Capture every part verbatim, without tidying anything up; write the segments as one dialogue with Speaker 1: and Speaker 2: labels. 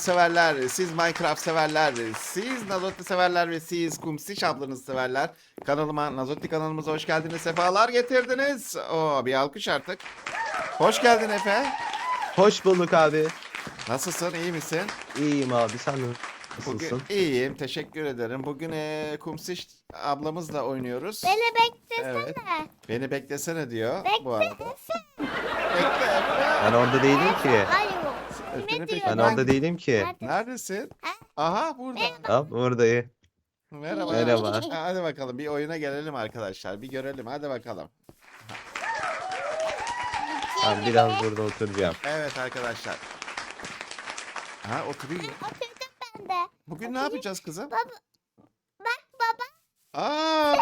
Speaker 1: severler, siz Minecraft severler, siz Nazotti severler ve siz Kumsiş ablanız severler. Kanalıma, Nazotti kanalımıza hoş geldiniz, sefalar getirdiniz. Oo, bir alkış artık. Hoş geldin Efe.
Speaker 2: Hoş bulduk abi.
Speaker 1: Nasılsın, iyi misin?
Speaker 2: İyiyim abi, sen
Speaker 1: Bugün
Speaker 2: nasılsın?
Speaker 1: iyiyim, teşekkür ederim. Bugün e, Kumsiş ablamızla oynuyoruz.
Speaker 3: Beni beklesene.
Speaker 1: Evet. Beni beklesene diyor
Speaker 3: Bekle.
Speaker 1: bu arada. Bekle Efe.
Speaker 2: Ben orada değilim ki.
Speaker 3: Hayır.
Speaker 1: Seni
Speaker 3: Kime
Speaker 1: pek-
Speaker 2: Ben
Speaker 3: diyorum?
Speaker 2: orada değilim ki.
Speaker 3: Nerede?
Speaker 1: Neredesin?
Speaker 3: Ha?
Speaker 1: Aha burada.
Speaker 2: Hop buradayım.
Speaker 1: Merhaba.
Speaker 2: Merhaba.
Speaker 1: Hadi bakalım bir oyuna gelelim arkadaşlar. Bir görelim hadi bakalım.
Speaker 2: Ben biraz burada oturacağım.
Speaker 1: Evet arkadaşlar. Ha oturuyor.
Speaker 3: Oturdum ben de.
Speaker 1: Bugün ne yapacağız kızım?
Speaker 3: Baba. Bak baba.
Speaker 1: Aa!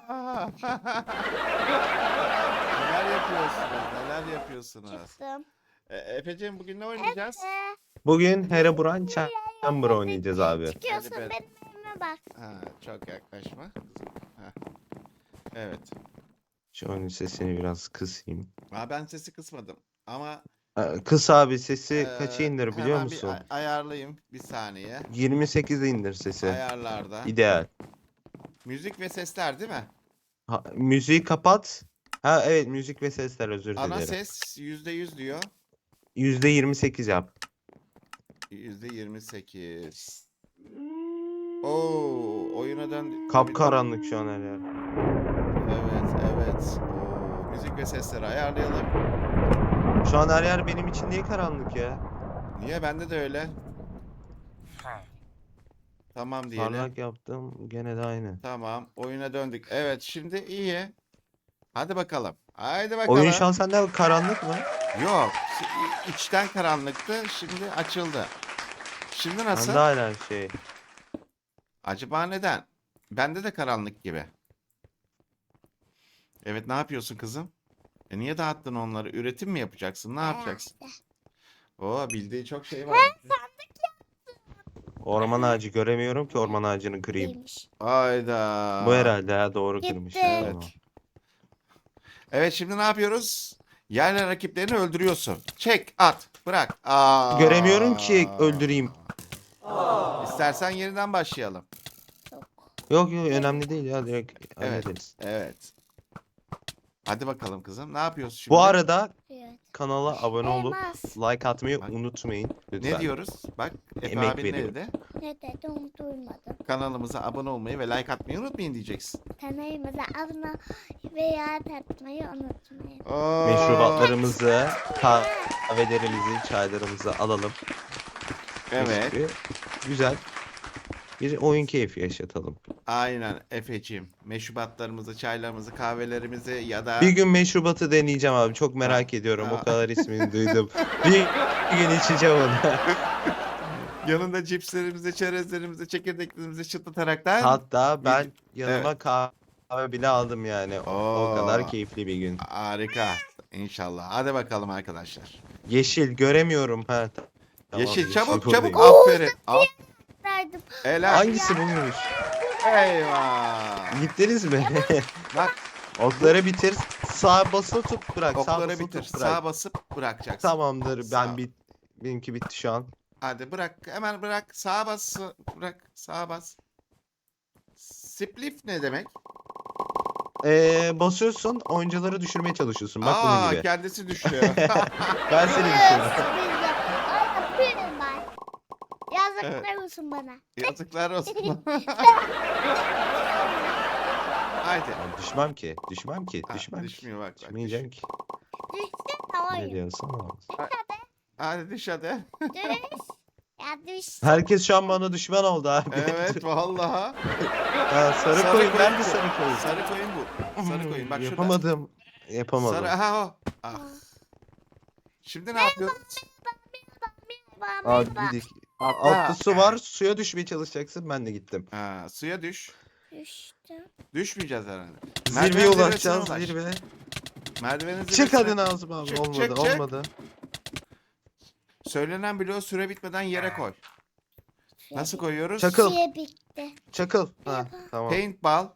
Speaker 1: Neler yapıyorsunuz? Neler yapıyorsunuz?
Speaker 3: Çıktım.
Speaker 1: E, Efeciğim bugün ne oynayacağız?
Speaker 3: Ee,
Speaker 2: Bugün Herobrine Chamber oynayacağız abi.
Speaker 3: Çıkıyorsun
Speaker 1: Hadi be.
Speaker 3: benim evime bak.
Speaker 1: Ha, çok yaklaşma. Ha. Evet.
Speaker 2: Şu oyunun sesini biraz kısayım.
Speaker 1: Aa, ben sesi kısmadım. Ama
Speaker 2: Ee, Kıs abi, sesi
Speaker 1: e,
Speaker 2: kaça indir biliyor
Speaker 1: hemen
Speaker 2: musun?
Speaker 1: Bir ay- ayarlayayım bir saniye.
Speaker 2: yirmi sekize indir sesi.
Speaker 1: Ayarlarda.
Speaker 2: İdeal.
Speaker 1: Müzik ve sesler değil mi?
Speaker 2: Ha, müziği kapat. Ha evet, müzik ve sesler, özür
Speaker 1: Ana
Speaker 2: dilerim.
Speaker 1: ses yüzde yüz diyor.
Speaker 2: yüzde yirmi sekiz yap.
Speaker 1: yüzde yirmi sekiz. Oo, oyuna dön.
Speaker 2: Kapkaranlık şu an her yer.
Speaker 1: Evet, evet. Oo, müzik ve sesleri ayarlayalım.
Speaker 2: Şu an her yer benim için niye karanlık ya?
Speaker 1: Niye? Bende de öyle. Tamam diyelim.
Speaker 2: Parlak yaptım, gene de aynı.
Speaker 1: Tamam. Oyuna döndük. Evet, şimdi iyi. Hadi bakalım. Haydi bakalım.
Speaker 2: Oyun şu an sende karanlık mı?
Speaker 1: Yok. şi- içten karanlıktı. Şimdi açıldı. Şimdi nasıl?
Speaker 2: Bende hala şey.
Speaker 1: Acaba neden? Bende de karanlık gibi. Evet, ne yapıyorsun kızım? E niye dağıttın onları? Üretim mi yapacaksın? Ne yapacaksın? Oo, bildiği çok şey var.
Speaker 2: Orman ağacı göremiyorum ki, orman ağacını kırayım.
Speaker 3: Değilmiş.
Speaker 1: Ayda.
Speaker 2: Bu herhalde ha, doğru
Speaker 3: Gitti.
Speaker 2: kırmış.
Speaker 1: Evet.
Speaker 2: Tamam.
Speaker 1: Evet, şimdi ne yapıyoruz? Yerle rakiplerini öldürüyorsun. Çek, at, bırak. Aa.
Speaker 2: Göremiyorum ki öldüreyim.
Speaker 1: İstersen yeniden başlayalım.
Speaker 2: Yok yok, önemli değil ya, direkt
Speaker 1: Evet.
Speaker 2: hallederiz.
Speaker 1: Evet. Hadi bakalım kızım. Ne yapıyorsun şimdi?
Speaker 2: Bu arada
Speaker 3: Evet.
Speaker 2: kanala abone olup
Speaker 3: Elmas.
Speaker 2: like atmayı
Speaker 1: Bak.
Speaker 2: unutmayın lütfen.
Speaker 1: Ne diyoruz? Bak, Efe
Speaker 2: Emek
Speaker 1: abinin
Speaker 2: veriyorum.
Speaker 1: evde.
Speaker 3: Ne dedim duymadım.
Speaker 1: Kanalımıza abone olmayı ve like atmayı unutmayın diyeceksin.
Speaker 3: Kanalımıza abone veya atmayı unutmayın.
Speaker 1: Oo.
Speaker 2: Meşrubatlarımızı, kahvelerimizi, çaylarımızı alalım.
Speaker 1: Evet.
Speaker 2: Mis gibi güzel bir oyun keyfi yaşatalım.
Speaker 1: Aynen Efeciğim. Meşrubatlarımızı, çaylarımızı, kahvelerimizi ya da
Speaker 2: Bir gün meşrubatı deneyeceğim abi. Çok merak ediyorum.
Speaker 1: Ha.
Speaker 2: O kadar ismini duydum. Bir, bir gün içeceğim onu.
Speaker 1: yanında cipslerimizi, çerezlerimizi, çekirdeklerimizi çıtlataraktan
Speaker 2: Hatta ben yanıma kahve bile aldım yani. O, o
Speaker 1: Oo.
Speaker 2: kadar keyifli bir gün.
Speaker 1: harika. İnşallah. Hadi bakalım arkadaşlar.
Speaker 2: Yeşil göremiyorum. Ha, ta- tamam,
Speaker 1: yeşil çabuk
Speaker 2: buradayım.
Speaker 1: çabuk. Aferin. Al.
Speaker 3: Verdim.
Speaker 1: Helal.
Speaker 2: Hangisi buymuş?
Speaker 1: Eyvah.
Speaker 2: Gittiniz mi?
Speaker 1: Bak,
Speaker 2: Okları bitir. Sağ basılı tut bırak. Sağ
Speaker 1: okları
Speaker 2: basılı
Speaker 1: bitir.
Speaker 2: tut bırak.
Speaker 1: Sağa basıp bırakacaksın.
Speaker 2: Tamamdır.
Speaker 1: Sağ.
Speaker 2: Ben bit benimki bitti şu an.
Speaker 1: Hadi bırak. Hemen bırak. Sağa bas. Bırak. Sağa bas. Spliff ne demek?
Speaker 2: Ee, basıyorsun, oyuncuları düşürmeye çalışıyorsun. Bak bunun
Speaker 1: Aa,
Speaker 2: gibi.
Speaker 1: kendisi düşüyor.
Speaker 2: Ben seni
Speaker 3: Evet,
Speaker 2: düşürdüm.
Speaker 3: bizde. Ay, benim ben. Yazıklar olsun bana.
Speaker 1: Yazıklar olsun. Haydi.
Speaker 2: Ben düşmem ki. Düşmem ki.
Speaker 1: Ha,
Speaker 2: Düşmem ki.
Speaker 1: düşmüyor bak. bak
Speaker 2: Düşmeyeceğim ki.
Speaker 3: Düştü
Speaker 2: Ne
Speaker 3: tamam.
Speaker 2: diyorsun abi?
Speaker 1: Hadi düş hadi.
Speaker 3: Düş. Ya düş.
Speaker 2: Herkes şu an bana düşman oldu abi.
Speaker 1: Evet vallahi.
Speaker 2: Ha, sarı,
Speaker 1: Sarı
Speaker 2: koyun.
Speaker 1: koyun
Speaker 2: Ben de
Speaker 1: bu.
Speaker 2: sarı koyun.
Speaker 1: Sarı koyun bu. Sarı koyun. Bak şurada.
Speaker 2: Yapamadım. Yapamadım.
Speaker 1: Sarı aha o. Ah. Şimdi ne yapıyoruz?
Speaker 2: Abi bir dik. Altta su var. Suya düşmeye çalışacaksın. Ben de gittim.
Speaker 1: Ha, suya düş.
Speaker 3: Düştüm.
Speaker 1: Düşmeyeceğiz herhalde.
Speaker 2: Zirveye
Speaker 1: Merdiven
Speaker 2: ulaşacağız.
Speaker 1: zirvesine ulaş.
Speaker 2: Zirve.
Speaker 1: Merdivenin
Speaker 2: Çık
Speaker 1: zirvesine-
Speaker 2: hadi Nazım abi.
Speaker 1: Çık,
Speaker 2: olmadı.
Speaker 1: çık, çık.
Speaker 2: olmadı.
Speaker 1: Söylenen bloğu süre bitmeden yere koy. Nasıl koyuyoruz?
Speaker 2: Çakıl.
Speaker 3: Şey bitti.
Speaker 2: Çakıl. Ha, tamam.
Speaker 1: Paintball.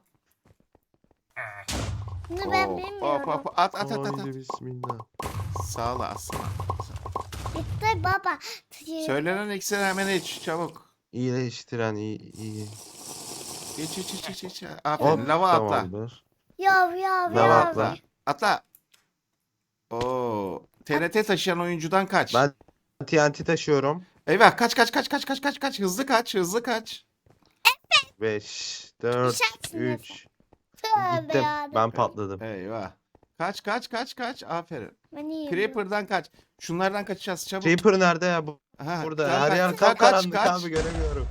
Speaker 3: Bunu ben
Speaker 1: Oo,
Speaker 3: bilmiyorum.
Speaker 1: hop, hop, At at at at. at.
Speaker 2: Haydi bismillah.
Speaker 1: Sağ ol aslan.
Speaker 3: Bitti baba.
Speaker 1: Söylenen iksiri hemen iç çabuk.
Speaker 2: İyileştiren iyi iyi.
Speaker 1: İç iç iç iç iç. Aferin.
Speaker 2: Hop
Speaker 1: Lava atla.
Speaker 2: tamamdır.
Speaker 3: Yav yav
Speaker 2: Lava
Speaker 3: yav.
Speaker 2: atla.
Speaker 1: Atla. Oo. T N T taşıyan oyuncudan kaç.
Speaker 2: Ben T N T taşıyorum.
Speaker 1: Eyvah kaç kaç kaç kaç kaç kaç kaç. Hızlı kaç hızlı kaç.
Speaker 2: beş, dört,
Speaker 3: Düşersin
Speaker 2: üç.
Speaker 3: Tövbe
Speaker 2: Gittim.
Speaker 3: yarabbim.
Speaker 2: Ben patladım.
Speaker 1: Eyvah. Kaç kaç kaç kaç. Aferin.
Speaker 3: Beni yiyor.
Speaker 1: Creeper'dan kaç. Şunlardan kaçacağız çabuk.
Speaker 2: Creeper nerede ya? Bu
Speaker 1: Ha,
Speaker 2: burada.
Speaker 1: tamam,
Speaker 2: Her
Speaker 1: kaç,
Speaker 2: yer
Speaker 1: kaç,
Speaker 2: kapkaranlık
Speaker 1: kaç.
Speaker 2: abi göremiyorum.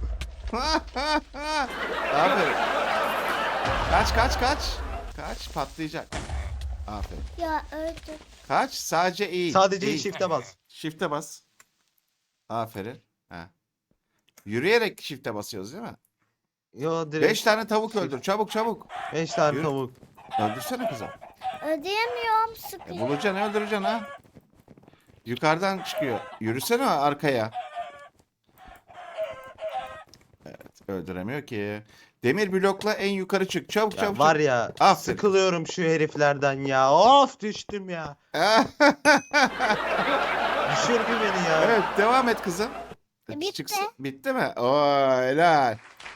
Speaker 1: Aferin. Kaç kaç kaç. Kaç patlayacak. Aferin.
Speaker 3: Ya öldüm.
Speaker 1: Kaç sadece eğil.
Speaker 2: Sadece
Speaker 1: eğil.
Speaker 2: shift'e bas.
Speaker 1: Shift'e bas. Aferin. Ha. Yürüyerek shift'e basıyoruz değil mi?
Speaker 2: Yo direkt.
Speaker 1: Beş tane tavuk öldür. Çabuk çabuk.
Speaker 2: beş tane
Speaker 1: Yürü.
Speaker 2: tavuk.
Speaker 1: Öldürsene kızım.
Speaker 3: Ödeyemiyorum
Speaker 1: E,
Speaker 3: sıkıyor.
Speaker 1: bulacaksın öldüreceksin ha. Yukarıdan çıkıyor. Yürüsene arkaya. Evet öldüremiyor ki. Demir blokla en yukarı çık. Çabuk
Speaker 2: Ya
Speaker 1: çabuk.
Speaker 2: var
Speaker 1: çabuk.
Speaker 2: ya
Speaker 1: Aferin.
Speaker 2: sıkılıyorum şu heriflerden ya. Of düştüm ya. Düşürdü beni ya.
Speaker 1: Evet devam et kızım.
Speaker 3: E, bitti.
Speaker 1: Çıksın. Bitti mi? Oo helal.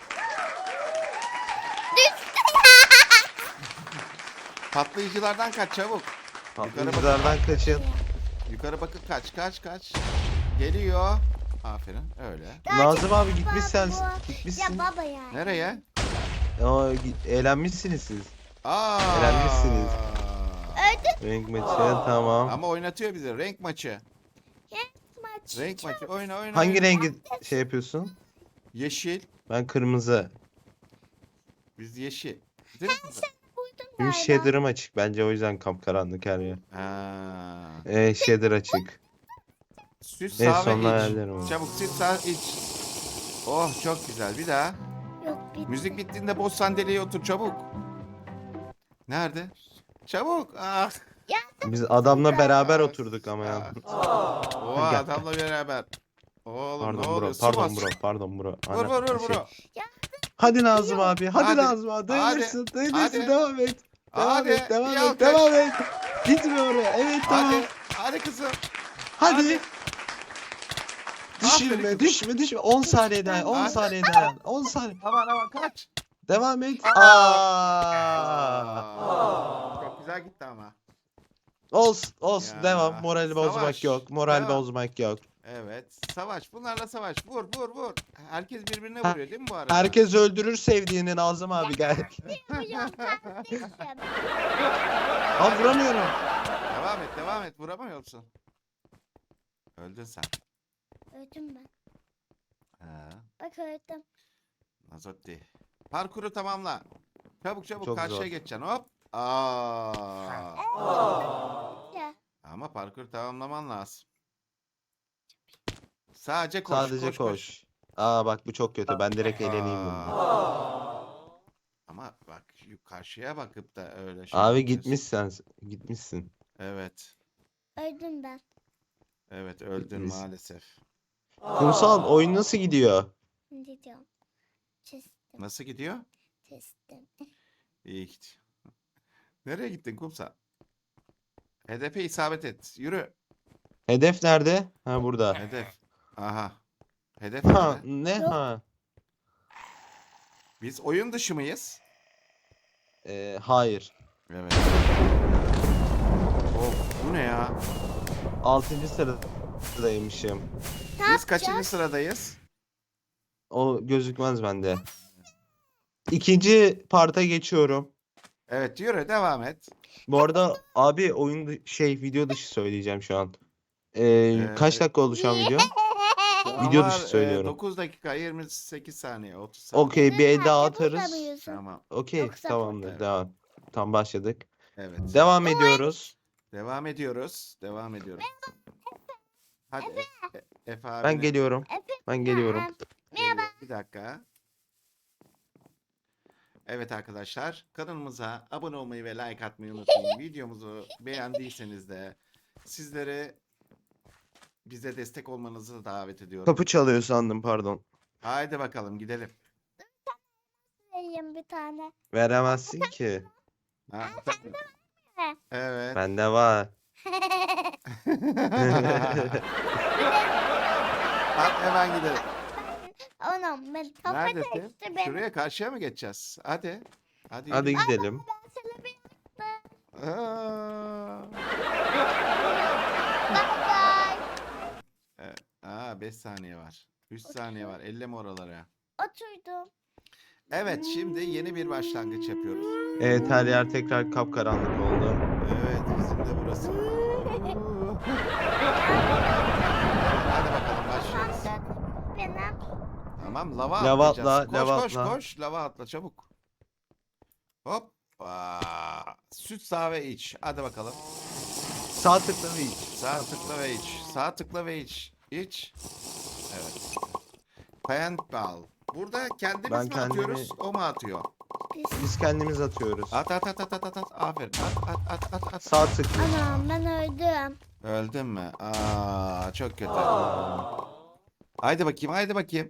Speaker 1: Patlayıcılardan kaç çabuk.
Speaker 2: Patlayıcılardan kaçın.
Speaker 1: Yukarı bakın kaç kaç kaç. Geliyor. Aferin öyle.
Speaker 2: Nazım abi gitmiş sen.
Speaker 3: Baba. Ya
Speaker 2: Gitmişsin.
Speaker 3: baba ya.
Speaker 1: Nereye?
Speaker 2: Aa, gi- eğlenmişsiniz siz.
Speaker 1: Aa.
Speaker 2: Eğlenmişsiniz.
Speaker 3: Öldüm
Speaker 2: Renk maçı tamam.
Speaker 1: Ama oynatıyor bizi. Renk maçı.
Speaker 3: maç.
Speaker 1: Renk maçı. Oyna oyna.
Speaker 2: Hangi
Speaker 1: oyna.
Speaker 2: rengi şey yapıyorsun?
Speaker 1: Yeşil.
Speaker 2: Ben kırmızı.
Speaker 1: Biz yeşil. Değil mi kızım?
Speaker 3: Buydum
Speaker 2: Benim
Speaker 3: galiba.
Speaker 2: shader'ım açık. Bence o yüzden kapkaranlık her yer.
Speaker 1: Ha.
Speaker 2: Ee, shader açık.
Speaker 1: Süt
Speaker 2: En
Speaker 1: sağ
Speaker 2: sonuna
Speaker 1: ve iç.
Speaker 2: ayarlarım onu.
Speaker 1: Çabuk süt sağ iç. Oh çok güzel. Bir daha.
Speaker 3: Yok bitti.
Speaker 1: Müzik bittiğinde boş sandalyeye otur çabuk. Nerede? Çabuk. Ah.
Speaker 2: Biz adamla beraber oturduk ama ya.
Speaker 1: O
Speaker 2: Gel.
Speaker 1: adamla beraber. Oğlum ne
Speaker 2: Pardon bro,
Speaker 1: oluyor? Su
Speaker 2: pardon
Speaker 1: bas.
Speaker 2: bro, pardon bro.
Speaker 1: Vur
Speaker 2: Ana,
Speaker 1: vur vur
Speaker 2: şey-
Speaker 1: vur.
Speaker 2: Hadi Nazım abi, hadi,
Speaker 1: Hadi,
Speaker 2: Nazım abi. Dayanırsın, dayanırsın.
Speaker 1: hadi.
Speaker 2: Devam et. Devam
Speaker 1: Hadi,
Speaker 2: et, devam
Speaker 1: bir
Speaker 2: et,
Speaker 1: alkış.
Speaker 2: devam et. Gitme oraya. Evet tamam.
Speaker 1: Hadi. Hadi kızım.
Speaker 2: Hadi.
Speaker 1: hadi. Aferin
Speaker 2: Düşürme,
Speaker 1: kızım.
Speaker 2: düşme, düşme. on saniye dayan, on
Speaker 1: Hadi.
Speaker 2: saniye dayan. on saniye.
Speaker 1: Aman aman kaç.
Speaker 2: Devam et. Aa.
Speaker 1: Aa. Çok güzel gitti ama.
Speaker 2: Olsun, olsun.
Speaker 1: Ya,
Speaker 2: Devam. Morali bozmak
Speaker 1: savaş.
Speaker 2: yok. Moral
Speaker 1: Devam.
Speaker 2: bozmak yok.
Speaker 1: Evet. Savaş. Bunlarla savaş. Vur vur vur. Herkes birbirine
Speaker 2: Ha,
Speaker 1: vuruyor değil mi bu arada?
Speaker 2: Herkes öldürür sevdiğini Nazım abi gel.
Speaker 3: Hocam kardeşim.
Speaker 2: Aa vuramıyorum.
Speaker 1: Devam et devam et. Vuramıyorsun. Öldün sen.
Speaker 3: Öldüm ben.
Speaker 1: Ha.
Speaker 3: Bak öldüm.
Speaker 1: Nazotti. Parkuru tamamla. Çabuk çabuk
Speaker 2: Çok
Speaker 1: karşıya
Speaker 2: zor.
Speaker 1: geçeceksin. Hop. Aa.
Speaker 3: Ya.
Speaker 1: Ama parkur tamamlaman lazım. Sadece koş.
Speaker 2: Sadece
Speaker 1: koş,
Speaker 2: koş.
Speaker 1: koş.
Speaker 2: Aa bak bu çok kötü. Ben direkt eğleneyim bununla.
Speaker 1: Aa. Ama bak şu karşıya bakıp da öyle şey
Speaker 2: Abi
Speaker 1: yapıyorsun.
Speaker 2: gitmişsen gitmişsin.
Speaker 1: Evet.
Speaker 3: Öldüm ben.
Speaker 1: Evet öldün
Speaker 2: Gitmiş.
Speaker 1: maalesef.
Speaker 2: Kumsal oyun nasıl gidiyor?
Speaker 3: Ne diyorum? Çizdim.
Speaker 1: Nasıl gidiyor?
Speaker 3: Çizdim.
Speaker 1: İyi gidiyor. Nereye gittin kumsal? Hedefe isabet et. Yürü.
Speaker 2: Hedef nerede? Ha burada.
Speaker 1: Hedef. Aha. Hedef
Speaker 2: Ha
Speaker 1: nerede?
Speaker 2: ne
Speaker 3: Yok.
Speaker 2: ha?
Speaker 1: Biz oyun dışı mıyız?
Speaker 2: Ee, hayır.
Speaker 1: Evet. Of bu ne ya?
Speaker 2: altıncı sıradaymışım.
Speaker 3: Ne
Speaker 1: Biz kaçıncı
Speaker 3: yapacağız?
Speaker 1: sıradayız?
Speaker 2: O gözükmez bende. İkinci parta geçiyorum.
Speaker 1: Evet yürü devam et.
Speaker 2: Bu arada abi oyun dı- şey video dışı söyleyeceğim şu an. Ee,
Speaker 1: Ee,
Speaker 2: kaç dakika oldu şu an video?
Speaker 1: Şu
Speaker 2: Video
Speaker 1: an
Speaker 2: dışı
Speaker 1: var, e,
Speaker 2: söylüyorum.
Speaker 1: dokuz dakika yirmi sekiz saniye otuz saniye.
Speaker 2: Okey bir el daha
Speaker 3: Nerede
Speaker 2: atarız.
Speaker 3: bulamıyorsun?
Speaker 1: Tamam.
Speaker 2: Okey
Speaker 3: Yoksa-
Speaker 2: tamamdır
Speaker 1: Evet.
Speaker 2: devam. Tam başladık.
Speaker 1: Evet.
Speaker 2: Devam ediyoruz.
Speaker 1: Devam ediyoruz. Devam ediyoruz. Hadi E- E- Efe abi.
Speaker 2: Ben geliyorum.
Speaker 3: Efe-
Speaker 2: Ben geliyorum.
Speaker 3: Merhaba.
Speaker 1: Bir dakika. Evet arkadaşlar kanalımıza abone olmayı ve like atmayı unutmayın. Videomuzu beğendiyseniz de sizleri bize destek olmanızı davet ediyorum.
Speaker 2: Kapı çalıyor sandım pardon.
Speaker 1: Haydi bakalım gidelim.
Speaker 3: Vereyim bir tane.
Speaker 2: Veremezsin ki.
Speaker 1: Ha, evet.
Speaker 2: Bende var.
Speaker 1: Hadi hemen gidelim.
Speaker 3: Anam ben kafa
Speaker 1: Neredesin?
Speaker 3: kaçtı benim.
Speaker 1: Şuraya karşıya mı geçeceğiz? Hadi. Hadi.
Speaker 2: Hadi
Speaker 1: yürü.
Speaker 2: gidelim.
Speaker 3: Ben sana bir
Speaker 1: Aa.
Speaker 3: bye bye.
Speaker 1: Evet. Aa beş saniye var. üç saniye var. Elleme oralara.
Speaker 3: Oturdum.
Speaker 1: Evet, şimdi yeni bir başlangıç yapıyoruz.
Speaker 2: Evet, her yer tekrar kapkaranlık oldu.
Speaker 1: Evet, bizim de burası. Hadi bakalım başlıyoruz.
Speaker 3: Benim.
Speaker 1: Tamam, lava,
Speaker 2: Lava
Speaker 1: atlayacağız.
Speaker 2: atla,
Speaker 1: Koş
Speaker 2: lava
Speaker 1: koş
Speaker 2: atla.
Speaker 1: koş, lava atla çabuk. Hop. Aa, süt sağ ve iç. Hadi bakalım.
Speaker 2: Sağ tıkla ve iç.
Speaker 1: Sağ tıkla ve iç. Sağ tıkla ve iç. İç. Evet. Paintball. Burada kendimiz
Speaker 2: Ben
Speaker 1: mi
Speaker 2: kendimi-
Speaker 1: atıyoruz, o mu atıyor?
Speaker 3: Pis.
Speaker 2: Biz kendimiz atıyoruz.
Speaker 1: At at at at at at at. Aferin. At at at at at.
Speaker 2: Sağ tıkla.
Speaker 3: Anam ben öldüm.
Speaker 1: Öldün mü? Aa, çok kötü. Haydi bakayım, haydi bakayım.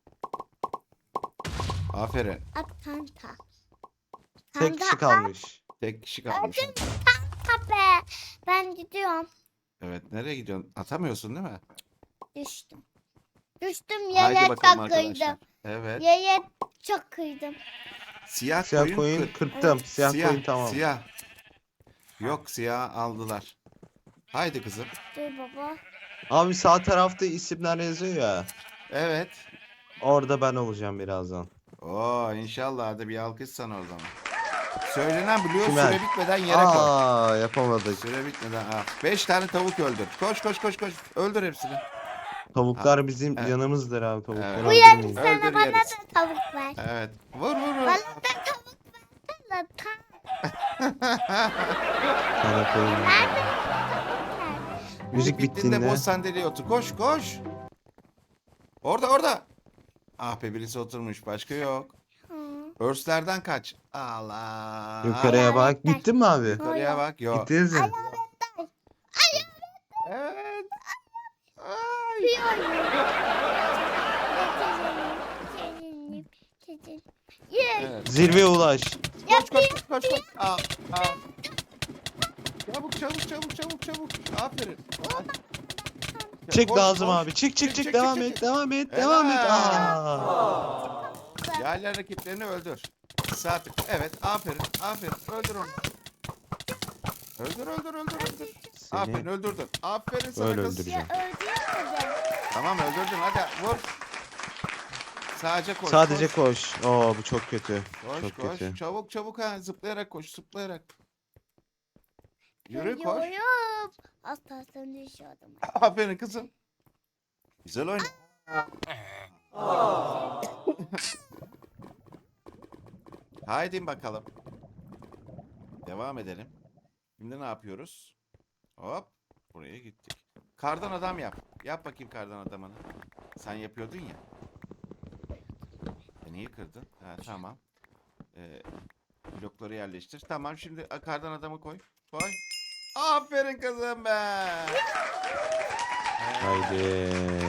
Speaker 1: Aferin.
Speaker 3: At kanka.
Speaker 2: Tek kişi
Speaker 3: Kanka,
Speaker 2: kalmış.
Speaker 1: Tek kişi kalmış.
Speaker 3: Öldüm kanka be. Ben gidiyorum.
Speaker 1: Evet, nereye gidiyorsun? Atamıyorsun değil mi?
Speaker 3: Düştüm. Düştüm
Speaker 1: Haydi
Speaker 3: yere
Speaker 1: bakalım
Speaker 3: çok
Speaker 1: arkadaşlar.
Speaker 3: kıydım.
Speaker 1: Evet.
Speaker 3: Yere çok kıydım.
Speaker 1: Siyah,
Speaker 2: Siyah
Speaker 1: koyun,
Speaker 2: koyun
Speaker 1: kır-
Speaker 2: kırptım. Siyah,
Speaker 1: siyah,
Speaker 2: koyun tamam.
Speaker 1: Siyah. Yok, siyah aldılar. Haydi kızım.
Speaker 3: Dur baba.
Speaker 2: Abi sağ tarafta isimler yazıyor ya.
Speaker 1: Evet.
Speaker 2: Orada ben olacağım birazdan.
Speaker 1: Oo, inşallah hadi bir alkış sana o zaman. Söylenen biliyor,
Speaker 2: Sümer.
Speaker 1: süre bitmeden yere koy.
Speaker 2: Aa, yapamadık.
Speaker 1: Süre bitmeden. Ha. Beş tane tavuk öldür. Koş koş koş koş. Öldür hepsini.
Speaker 2: Tavuklar bizim
Speaker 1: Evet.
Speaker 2: canımız tavukları
Speaker 1: Evet.
Speaker 3: Bu
Speaker 2: öldürmeyin.
Speaker 3: yarın sana
Speaker 1: Öldür
Speaker 3: bana
Speaker 1: yeriz.
Speaker 3: da tavuk ver.
Speaker 1: Evet. Vur vur vur.
Speaker 3: Bana da tavuk ver. Tam.
Speaker 2: Sana koyun.
Speaker 3: Nerede?
Speaker 2: Müzik
Speaker 1: Bittiğinde
Speaker 2: bittiğinde.
Speaker 1: boş sandalyeye otur. Koş koş. Orada orada. Ah be, birisi oturmuş. Başka yok.
Speaker 3: Hı.
Speaker 1: Örslerden kaç. Allah.
Speaker 2: Yukarıya bak.
Speaker 3: Hayaletler.
Speaker 2: Gittin mi abi?
Speaker 1: Yukarıya bak. Yok.
Speaker 2: Gittiniz mi?
Speaker 1: Evet. Ay.
Speaker 3: Bir oyun. Getirelim. Getirelim. Yes.
Speaker 1: Evet.
Speaker 2: Zirveye ulaş.
Speaker 1: Koş koş koş koş. koş. Al, al. Çabuk çabuk çabuk çabuk çabuk. Aferin.
Speaker 2: Çık
Speaker 1: Koş,
Speaker 2: lazım
Speaker 1: koş.
Speaker 2: abi. Çık çık
Speaker 1: Çık,
Speaker 2: çık.
Speaker 1: çık,
Speaker 2: Devam
Speaker 1: çık,
Speaker 2: et.
Speaker 1: çık.
Speaker 2: Devam et. Devam et.
Speaker 1: Helal.
Speaker 2: Aa.
Speaker 1: Yerler rakiplerini öldür. Sağ tık. Evet, aferin, aferin. Öldür onu. Öldür, öldür, öldür, öldür. Aferin,
Speaker 2: Seni
Speaker 1: öldürdün. Aferin sana
Speaker 2: öyle
Speaker 1: kız.
Speaker 2: öldüreceğim.
Speaker 3: Ya öldürmedi.
Speaker 1: Tamam, öldürdün. Hadi vur. Sadece koş.
Speaker 2: Sadece
Speaker 1: koş.
Speaker 2: koş. Oo, bu çok kötü.
Speaker 1: Koş,
Speaker 2: Çok
Speaker 1: koş.
Speaker 2: kötü.
Speaker 1: Çabuk, çabuk ha. Zıplayarak koş, zıplayarak. Yürü, koş.
Speaker 3: Yürüyorum. Asla sen düşüyordum.
Speaker 1: Aferin kızım. Güzel oyna. Haydi bakalım. Devam edelim. Şimdi ne yapıyoruz? Hop. Buraya gittik. Kardan adam yap. Yap bakayım kardan adamını. Sen yapıyordun ya. E niye kırdın? Ha, tamam. Ee, blokları yerleştir. Tamam, şimdi kardan adamı koy. Koy. Aferin kızım be.
Speaker 2: Haydi.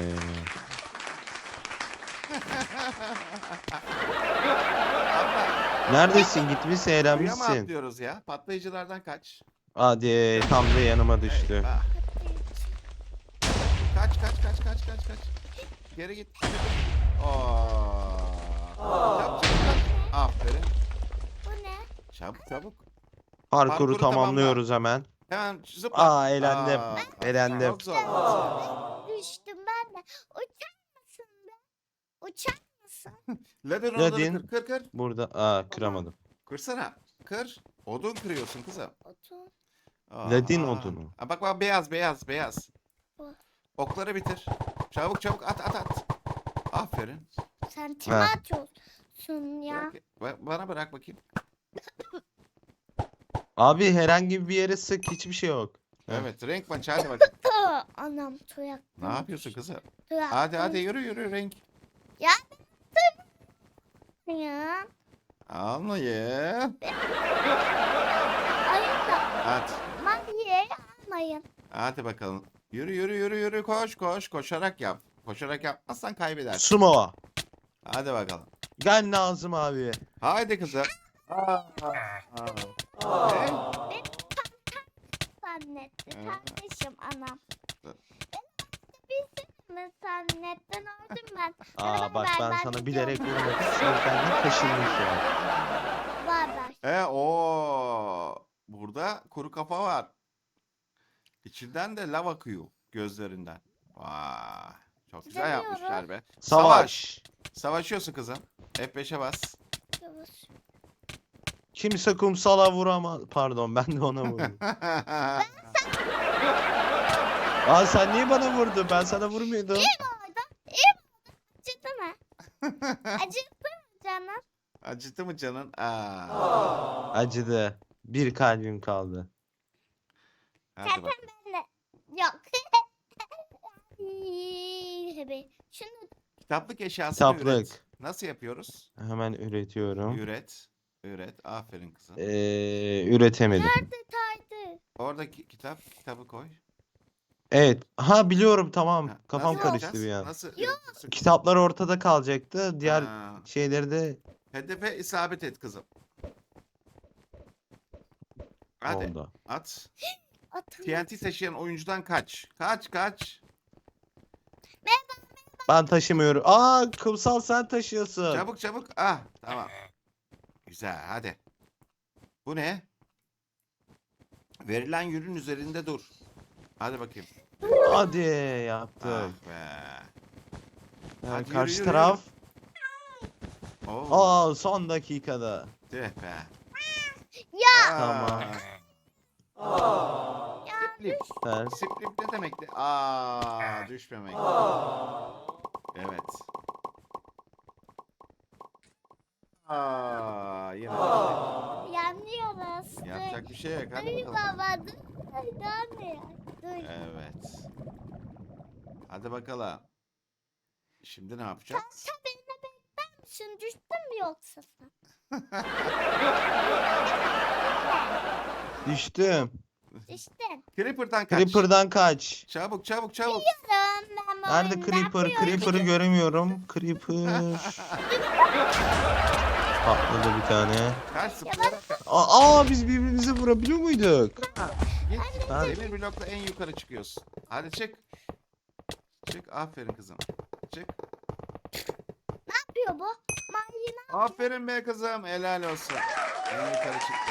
Speaker 1: Abla,
Speaker 2: Neredesin? Gitmişsin,
Speaker 1: suya mı
Speaker 2: eğlenmişsin.
Speaker 1: atlıyoruz ya? Patlayıcılardan kaç.
Speaker 2: Hadi tam da yanıma düştü.
Speaker 1: Eyvah. Kaç kaç kaç kaç kaç kaç. Geri git. Oo. Çabuk çabuk kaç. Aferin.
Speaker 3: Bu ne?
Speaker 1: Çabuk çabuk.
Speaker 2: Parkuru
Speaker 1: Parkuru
Speaker 2: tamamlıyoruz hemen.
Speaker 1: Hemen zıpla.
Speaker 2: Aa, eğlendim.
Speaker 1: Aa,
Speaker 2: Eğlendim.
Speaker 1: Çok zor.
Speaker 3: Düştüm ben de. Uçar mısın be? Uçar mısın?
Speaker 1: Ladin onları
Speaker 2: Ladin.
Speaker 1: kır kır kır.
Speaker 2: Burada aa kıramadım.
Speaker 1: Kırsana. Kır. Odun kırıyorsun kızım.
Speaker 3: Otur.
Speaker 1: Aa.
Speaker 2: Ladin odunu.
Speaker 1: Aa, bak bak, beyaz beyaz beyaz.
Speaker 3: Bu.
Speaker 1: Okları bitir. Çabuk çabuk at at at. Aferin.
Speaker 3: Sen kime
Speaker 2: Ha.
Speaker 3: atıyorsun ya?
Speaker 1: Bırak, ba- bana bırak bakayım.
Speaker 2: Abi herhangi bir yere sık, hiçbir şey yok. Heh.
Speaker 1: Evet, renk maçı, hadi bakayım.
Speaker 3: Tı, Anam tuyak.
Speaker 1: Ne yapıyorsun kızım?
Speaker 3: Tuyak.
Speaker 1: Hadi hadi yürü yürü renk.
Speaker 3: Ya.
Speaker 1: Almayın.
Speaker 3: Ayıp da.
Speaker 1: Hadi.
Speaker 3: Maviye almayın.
Speaker 1: Hadi bakalım. Yürü yürü yürü yürü koş koş. Koşarak yap. Koşarak yapmazsan kaybedersin.
Speaker 2: Sumo.
Speaker 1: Hadi bakalım.
Speaker 2: Gel Nazım abi.
Speaker 1: Haydi kızım. Aa, aa. Ne?
Speaker 3: Zannet. Kardeşim anam.
Speaker 1: Dur.
Speaker 3: Bilsin mi sen netten öldüm ben.
Speaker 2: Aa bak ben
Speaker 3: ben
Speaker 2: sana
Speaker 3: gidiyorum.
Speaker 2: bilerek vurmak istiyorum. Kendini kaşınmış ya.
Speaker 3: Bay bay.
Speaker 1: E o burada kuru kafa var. İçinden de lav akıyor gözlerinden. Vay. Çok güzel
Speaker 3: Deniyorum.
Speaker 1: yapmışlar be.
Speaker 2: Savaş.
Speaker 1: Savaşıyorsun kızım. F beşe bas.
Speaker 3: Yavuz.
Speaker 2: Kimse kumsala vuramaz. Pardon ben de ona vurdum. Aa sen niye bana vurdun? Ben sana vurmuyordum.
Speaker 3: Orada. İyi mi oldu? Acıdı mı? Acıttı mı canım?
Speaker 1: Acıttı mı canın? Aa.
Speaker 2: Acıdı. Bir kalbim kaldı.
Speaker 1: Hadi
Speaker 3: Zaten
Speaker 1: bak.
Speaker 3: ben de. Yok. Tabii. Şunu
Speaker 1: Kitaplık eşyası
Speaker 2: Kitaplık.
Speaker 1: üret. Nasıl yapıyoruz?
Speaker 2: Hemen üretiyorum.
Speaker 1: Üret. Üret. Aferin kızım.
Speaker 2: Ee, üretemedim.
Speaker 3: detaydı.
Speaker 1: Oradaki kitap, kitabı koy.
Speaker 2: Evet. Ha biliyorum tamam.
Speaker 1: Ha,
Speaker 2: Kafam
Speaker 1: nasıl
Speaker 2: karıştı
Speaker 1: yapacağız?
Speaker 2: bir an.
Speaker 1: Nasıl? üretiyorsun?
Speaker 2: Kitaplar ortada kalacaktı. Diğer
Speaker 1: Ha,
Speaker 2: şeyleri de
Speaker 1: hedefe isabet et kızım. Hadi
Speaker 2: oldu.
Speaker 1: at.
Speaker 3: Atın.
Speaker 1: T N T taşıyan oyuncudan kaç. Kaç kaç.
Speaker 2: Ben taşımıyorum. Aa kumsal sen taşıyorsun.
Speaker 1: Çabuk çabuk. Ah tamam. Güzel hadi. Bu ne? Verilen yünün üzerinde dur. Hadi bakayım.
Speaker 2: Hadi
Speaker 1: Ah
Speaker 2: yaptık.
Speaker 1: be.
Speaker 2: Yani
Speaker 1: Hadi yürü,
Speaker 2: karşı
Speaker 1: yürü,
Speaker 2: taraf.
Speaker 1: Oo.
Speaker 2: Aa son dakikada.
Speaker 1: Tüh be.
Speaker 3: Ya.
Speaker 2: Tamam.
Speaker 1: Siplip.
Speaker 2: Sen.
Speaker 1: Siplip ne demekti? Aa düşmemek. Evet. Aa yine düştük.
Speaker 3: Yanıyoruz.
Speaker 1: Yapacak bir şey yok. Hadi
Speaker 3: Ay
Speaker 1: bakalım.
Speaker 3: baba dur. Ay daha ne ya? Dur.
Speaker 1: Evet. Hadi bakalım. Şimdi ne yapacağız?
Speaker 3: Sen beni bekler misin? Düştün mü yoksa sen?
Speaker 2: Düştüm.
Speaker 3: Düştün.
Speaker 1: Creeper'dan kaç.
Speaker 2: Creeper'dan kaç.
Speaker 1: Çabuk çabuk çabuk.
Speaker 3: Ben bu
Speaker 2: Nerede
Speaker 3: oyunu
Speaker 2: Creeper?
Speaker 3: yapıyorum.
Speaker 2: Creeper'ı göremiyorum. Creeper. Patladı bir tane.
Speaker 1: Kaç zıplayarak kaç.
Speaker 2: Aa, aa, biz birbirimize vurabiliyor muyduk?
Speaker 1: Git.
Speaker 2: Ben-
Speaker 1: Demir blokla en yukarı çıkıyorsun. Hadi çık. Çık. Aferin kızım. Çık.
Speaker 3: Ne yapıyor bu? Mayına.
Speaker 1: Aferin be kızım. Helal olsun. En yukarı çıktı.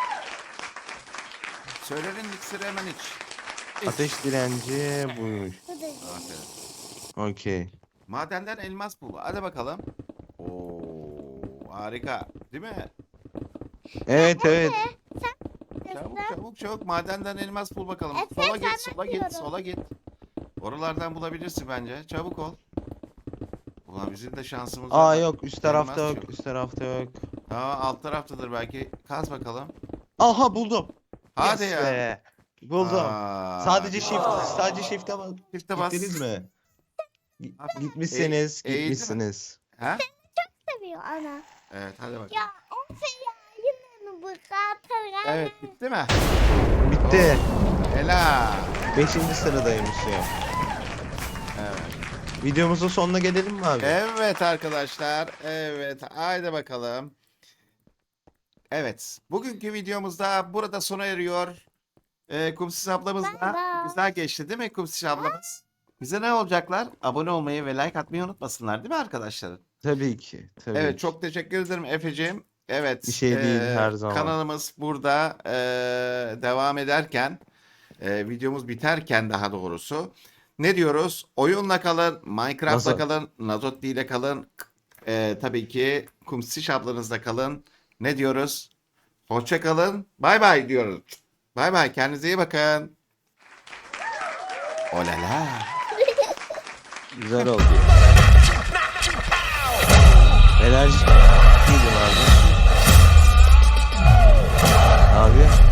Speaker 1: Söylenin iksiri hemen iç. İç.
Speaker 2: Ateş direnci buymuş.
Speaker 1: Aferin.
Speaker 2: Okey.
Speaker 1: Madenden elmas bul. Hadi bakalım. Oo, harika. Değil mi?
Speaker 2: Evet evet.
Speaker 1: Çabuk çabuk çabuk madenden elmas bul bakalım.
Speaker 3: Efe,
Speaker 1: sola
Speaker 3: sen
Speaker 1: git, sola git,
Speaker 3: yapıyorum.
Speaker 1: sola git. Oralardan bulabilirsin bence. Çabuk ol. Ulan bizim de şansımız
Speaker 2: Aa
Speaker 1: var.
Speaker 2: yok üst tarafta
Speaker 1: Elmas
Speaker 2: yok.
Speaker 1: yok.
Speaker 2: Üst tarafta yok.
Speaker 1: Aa, alt taraftadır belki. Kaz bakalım.
Speaker 2: Aha buldum.
Speaker 1: Hadi
Speaker 2: Yes
Speaker 1: ya.
Speaker 2: be. Buldum.
Speaker 1: Aa,
Speaker 2: Sadece shift, sadece shift'e bas.
Speaker 1: Çifte bas.
Speaker 2: Gittiniz mi? Gi-
Speaker 1: Aferin.
Speaker 2: Gitmişsiniz,
Speaker 1: E- eğildi mi?
Speaker 2: gitmişsiniz.
Speaker 1: Ha?
Speaker 3: Seviyor ana.
Speaker 1: Evet hadi bakalım.
Speaker 3: Ya Efe ya yine mi bu kadar?
Speaker 1: Evet bitti mi?
Speaker 2: Bitti.
Speaker 1: Helal.
Speaker 2: Beşinci sıradaymış ya.
Speaker 1: Evet.
Speaker 2: Videomuzun sonuna gelelim mi abi?
Speaker 1: Evet arkadaşlar. Evet. Haydi bakalım. Evet. Bugünkü videomuzda burada sona eriyor. Ee, Kumsiz ablamız
Speaker 3: Bye
Speaker 1: da
Speaker 3: bye.
Speaker 1: güzel geçti değil mi Kumsiz ablamız? Bize ne olacaklar? Abone olmayı ve like atmayı unutmasınlar değil mi arkadaşlar?
Speaker 2: Tabii ki. Tabii
Speaker 1: Evet
Speaker 2: ki.
Speaker 1: çok teşekkür ederim Efe'ciğim. Evet.
Speaker 2: Bir şey değil,
Speaker 1: eee,
Speaker 2: her zaman.
Speaker 1: Kanalımız burada eee, devam ederken, eee, videomuz biterken daha doğrusu ne diyoruz? Oyunla kalın, Minecraft'la
Speaker 2: Nazo-
Speaker 1: kalın, Nazotli ile kalın. Eee, tabii ki Kumsiş ablanızla kalın. Ne diyoruz? Hoşça kalın. Bay bay diyoruz. Bay bay. Kendinize iyi bakın. Olala.
Speaker 2: Güzel oldu. Enerji. İyiydi abi. Abi.